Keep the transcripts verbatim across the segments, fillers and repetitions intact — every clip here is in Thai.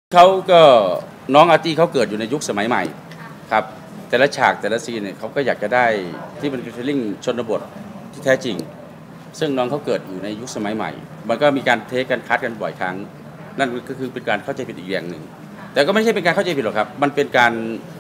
เขาก็น้องอาร์ตี้เขาเกิดอยู่ในยุคสมัยใหม่ครับแต่ละฉากแต่ละซีนเนี่ยเขาก็อยากจะได้ที่เป็นฟีลลิ่งชนบทที่แท้จริงซึ่งน้องเขาเกิดอยู่ในยุคสมัยใหม่มันก็มีการเทคกันคัดกันบ่อยครั้งนั่นก็คือเป็นการเข้าใจผิดอีกอย่างหนึ่งแต่ก็ไม่ใช่เป็นการเข้าใจผิดหรอกครับมันเป็นการ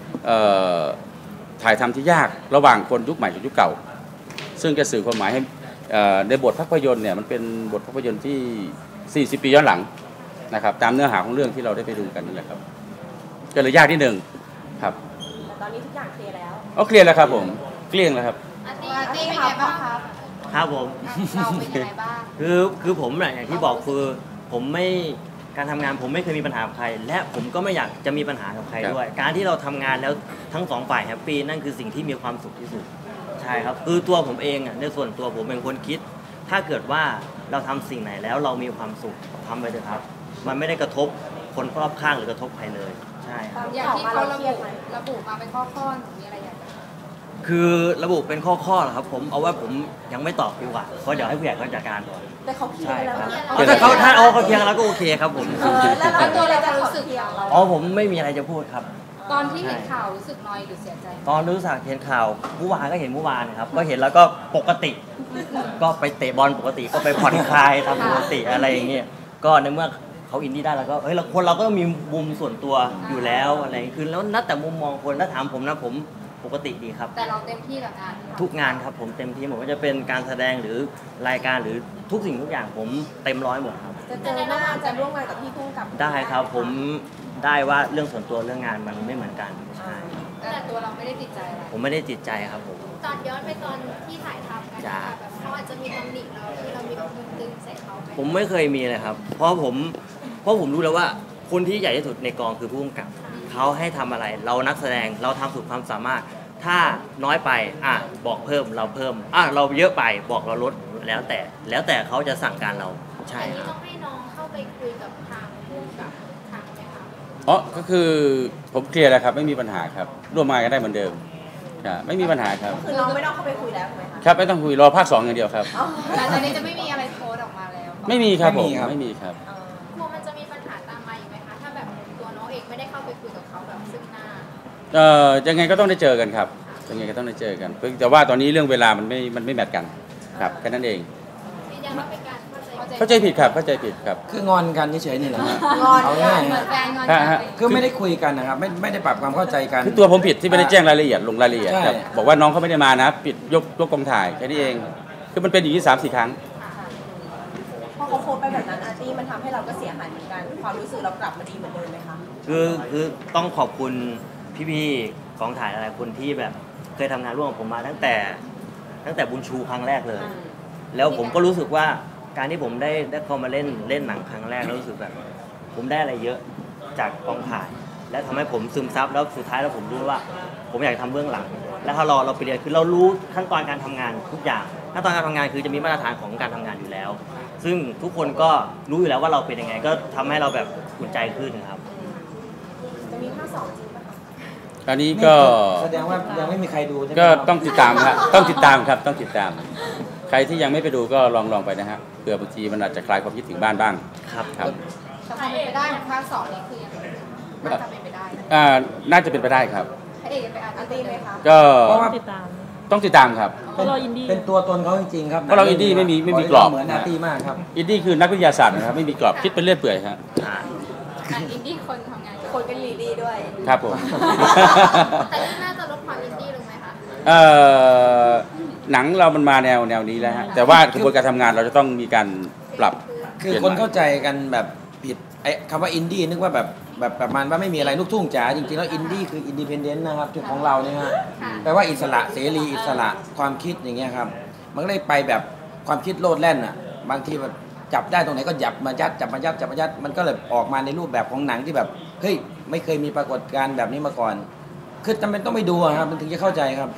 ถ่ายทำที่ยากระหว่างคนยุคใหม่กับยุคเก่าซึ่งจะสื่อความหมายให้ในบทภาพยนตร์เนี่ยมันเป็นบทภาพยนตร์ที่สี่สิบปีย้อนหลังนะครับตามเนื้อหาของเรื่องที่เราได้ไปดูกันนี่แหละครับก็เลยยากนิดนึงครับแต่ตอนนี้ทุกอย่างเคลียร์แล้วอ๋อเคลียร์แล้วครับผมเกลี้ยงแล้วครับอาร์ตี้อาร์ตี้เป็นไงบ้างครับครับผมเราเป็นยังไงบ้างคือคือผมเนี่ยอย่างที่บอกคือผมไม่การทำงานผมไม่เคยมีปัญหากับใครและผมก็ไม่อยากจะมีปัญหากับใครด้วยการที่เราทำงานแล้วทั้งสองฝ่ายแฮปปี้นั่นคือสิ่งที่มีความสุขที่สุดใช่ครับคือตัวผมเองอ่ะในส่วนตัวผมเป็นคนคิดถ้าเกิดว่าเราทำสิ่งไหนแล้วเรามีความสุขทำไปเถอะครับมันไม่ได้กระทบคนรอบข้างหรือกระทบใครเลยใช่ครับอย่างที่เขาระบุระบุมาเป็นข้อข้อมีอะไรอย่างเงี้ยคือระบุเป็นข้อข้อเหรอครับผมเอาว่าผมยังไม่ตอบดีกว่าเพราะเดี๋ยวให้ผู้ใหญ่เขาจัดการก่อนแต่เขาเคลียร์แล้วแต่เขาถ้าเอาเขาเคลียร์แล้วก็โอเคครับผมแล้วตัวเราจะรู้สึกอย่างไรอ๋อผมไม่มีอะไรจะพูดครับตอนที่เห็นข่าวรู้สึกน้อยหรือเสียใจตอนรู้สึกเห็นข่าวเมื่อวานก็เห็นเมื่อวานครับก็เห็นแล้วก็ปกติก็ไปเตะบอลปกติก็ไปผ่อนคลายทำปกติอะไรอย่างเงี้ยก็ในเมื่อเขาอินดี้ได้แล้วก็เฮ้ยเราคนเราก็มีมุมส่วนตัวอยู่แล้วอะไรคือแล้วนัดแต่มุมมองคนถ้าถามผมนะผมปกติดีครับแต่เราเต็มที่กับงานทุกงานครับผมเต็มที่ผมก็จะเป็นการแสดงหรือรายการหรือทุกสิ่งทุกอย่างผมเต็มร้อยหมดครับจะเจอหน้าจะร่วมงานกับพี่พุ่งกับได้ครับผมได้ว่าเรื่องส่วนตัวเรื่องงานมันไม่เหมือนกันใช่แต่ตัวเราไม่ได้ติดใจอะไรผมไม่ได้ติดใจครับผมตอนย้อนไปตอนที่ถ่ายทำกันแบบเขาอาจจะมีตำหนิเราที่เรามีแบบดึงใส่เขาผมไม่เคยมีเลยครับเพราะผมเพราะผมรู้แล้วว่าคนที่ใหญ่ที่สุดในกองคือผู้กำกับเขาให้ทำอะไรเรานักแสดงเราทำสุดความสามารถถ้าน้อยไปอ่ะบอกเพิ่มเราเพิ่มอ่ะเราเยอะไปบอกเราลดแล้วแต่แล้วแต่เขาจะสั่งการเราใช่ครับต้องให้น้องเข้าไปคุยกับทางผู้กำกับทางไหมคะอ๋อก็คือผมเคลียร์แล้วครับไม่มีปัญหาครับร่วมงานกันได้เหมือนเดิมไม่มีปัญหาครับคือน้องไม่ต้องเข้าไปคุยแล้วใช่ไหมคะครับไม่ต้องคุยรอภาคสองอย่างเดียวครับหลังจากนี้จะไม่มีอะไรโพสออกมาแล้วไม่มีครับผมไม่มีครับกลัวมันจะมีปัญหาตามมาอีกไหมคะถ้าแบบตัวน้องเองไม่ได้เข้าไปคุยกับเขาแบบซึ่งหน้าเอ่อยังไงก็ต้องได้เจอกันครับยังไงก็ต้องได้เจอกันแต่ว่าตอนนี้เรื่องเวลามันไม่มันไม่แมทกันครับแค่นั้นเองเข้าใจผิดครับเข้าใจผิดครับคืองอนกันเฉยๆนี่แหละงอนเอาง่ายคือไม่ได้คุยกันนะครับไม่ไม่ได้ปรับความเข้าใจกันคือตัวผมผิดที่ไม่ได้แจ้งรายละเอียดลงรายละเอียดครับบอกว่าน้องเขาไม่ได้มานะปิดยกยกกองถ่ายแค่นี้เองคือมันเป็นอย่างนี้สามสี่ครั้งพอเขาโพสไปแบบนั้นอาร์ตี้มันทำให้เราก็เสียหายเหมือนกันความรู้สึกเรากลับมาดีเหมือนเดิมไหมคะคือคือต้องขอบคุณพี่ๆกองถ่ายอะไรคนที่แบบเคยทำงานร่วมกับผมมาตั้งแต่ตั้งแต่บุญชูครั้งแรกเลยแล้วผมก็รู้สึกว่าการที่ผมได้ได้เข้ามาเล่นเล่นหนังครั้งแรกแล้วรู้สึกแบบผมได้อะไรเยอะจากกองถ่ายและทำให้ผมซึมซับแล้วสุดท้ายแล้วผมรู้ว่าผมอยากทำเบื้องหลังและถ้ารอเราไปเรียนคือเรารู้ขั้นตอนการทำงานทุกอย่างขั้นตอนการทำงานคือจะมีมาตรฐานของการทำงานอยู่แล้วซึ่งทุกคนก็รู้อยู่แล้วว่าเราเป็นยังไงก็ทำให้เราแบบอุ่นใจขึ้นครับจะมีภาคสองจริงป่ะอันนี้ก็แสดงว่ายังไม่มีใครดูก็ต้องติดตามครับต้องติดตามครับต้องติดตามใครที่ยังไม่ไปดูก็ลองลองไปนะฮะเผื่อบางทีมันอาจจะคลายความคิดถึงบ้านบ้างครับครับจะเป็นไปได้ภาคสองนี้คือยังน่าจะเป็นไปได้อ่าน่าจะเป็นไปได้ครับให้เอกไปอ่านอันตีไหมคะก็ติดตามต้องติดตามครับเป็นตัวตนเขาจริงๆครับเพราะเราอินดี้ไม่มีไม่มีกรอบเหมือนอาร์ตี้มากครับอินดี้คือนักวิทยาศาสตร์นะครับไม่มีกรอบคิดเป็นเรื่อยเปื่อยครับอินดี้คนทำงานคนเป็นลีดี้ด้วยครับผมแต่น่าจะลดความอินดี้ลงไหมคะเอ่อหนังเรามันมาแนวแนวนี้แล้วฮะแต่ว่ากระบวนการทำงานเราจะต้องมีการปรับคือคนเข้าใจกันแบบผิดไอ้คำว่าอินดี้นึกว่าแบบแบบประมาณว่าไม่มีอะไรลูกทุ่งจ๋าจริงๆแล้วอินดี้คืออินดิเพนเดนต์นะครับจุดของเราเนี่ยฮะแปลว่าอิสระเสรีอิสระความคิดอย่างเงี้ยครับมันก็เลยไปแบบความคิดโลดแล่นอ่ะบางทีแบบจับได้ตรงไหนก็จับมายัดจับมายัดจับมายัดมันก็เลยออกมาในรูปแบบของหนังที่แบบเฮ้ยไม่เคยมีปรากฏการณ์แบบนี้มาก่อนคือจำเป็นต้องไปดูครับมันถึงจะเข้าใจครับ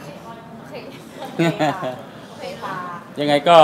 ยังไงก็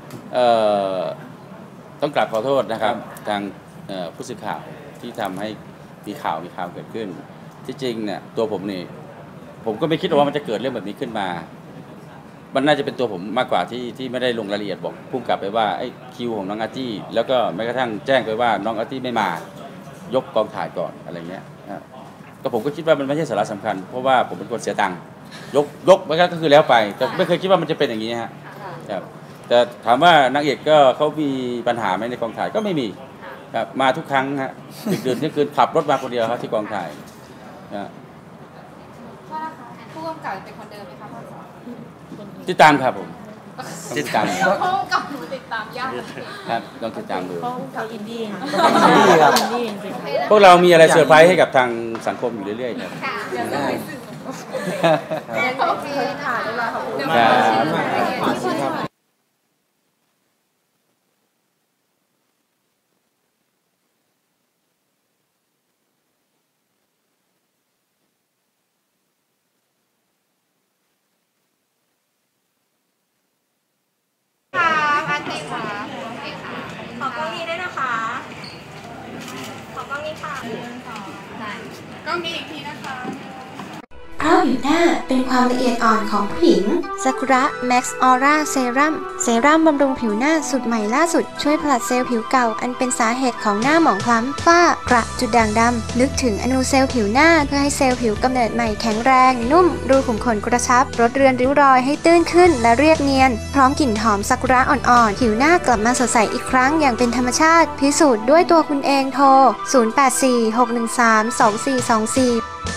ต้องกราบขอโทษนะครับทางผู้สื่อข่าวที่ทำให้มีข่าวมีข่าวเกิดขึ้นที่จริงเนี่ยตัวผมนี่ผมก็ไม่คิดว่ามันจะเกิดเรื่องแบบนี้ขึ้นมามันน่าจะเป็นตัวผมมากกว่าที่ที่ไม่ได้ลงรายละเอียดบอกพุ่งกลับไปว่าไอ้คิวของน้องอาร์ตี้แล้วก็แม้กระทั่งแจ้งไปว่าน้องอาร์ตี้ไม่มายกกองถ่ายก่อนอะไรเงี้ยนะก็ผมก็คิดว่ามันไม่ใช่สาระสำคัญเพราะว่าผมเป็นคนเสียตังค์ยกยกไปก็คือแล้วไปแต่ไม่เคยคิดว่ามันจะเป็นอย่างนี้ฮะครับแต่ถามว่านางเอกก็เขามีปัญหาไหมในกองถ่ายก็ไม่มีครับมาทุกครั้งฮะดึกดื่นเที่ยงคืนขับรถมาคนเดียวครับที่กองถ่ายนะว่านะคะผู้กำกับเป็นคนเดิมไหมคะพ่อสอนติดตามครับผมติดตามผู้กำกับหนูติดตามยากครับต้องติดตามดูเขาเขาอินดี้ค่ะอินดี้ครับอินดี้จริงๆพวกเรามีอะไรเซอร์ไพรส์ให้กับทางสังคมอยู่เรื่อยๆครับค่ะได้โอเคค่ะเรียบร้อยขอบคุณคมากรับครับค่ะอาร์ตี้ค่ะโอเคค่ะขอกล้องนี้ด้วยนะคะ ขอกล้องนี้ค่ะกล้องนี้อีกทีนะคะเพราะผิวหน้าเป็นความละเอียดอ่อนของผู้หญิงซากุระแม็กซ์ออร่าเซรั่มเซรั่มบำรุงผิวหน้าสูตรใหม่ล่าสุดช่วยผลัดเซลล์ผิวเก่าอันเป็นสาเหตุของหน้าหมองคล้ำฝ้ากระจุดด่างดำลึกถึงอนูเซลล์ผิวหน้าเพื่อให้เซลล์ผิวกำเนิดใหม่แข็งแรงนุ่มรูขุมขนกระชับลดเรือนริ้วรอยให้ตื้นขึ้นและเรียบเนียนพร้อมกลิ่นหอมซากุระอ่อนๆผิวหน้ากลับมาสดใสอีกครั้งอย่างเป็นธรรมชาติพิสูจน์ด้วยตัวคุณเองโทรศูนย์ แปด สี่ หก หนึ่ง สาม สอง สี่ สอง สี่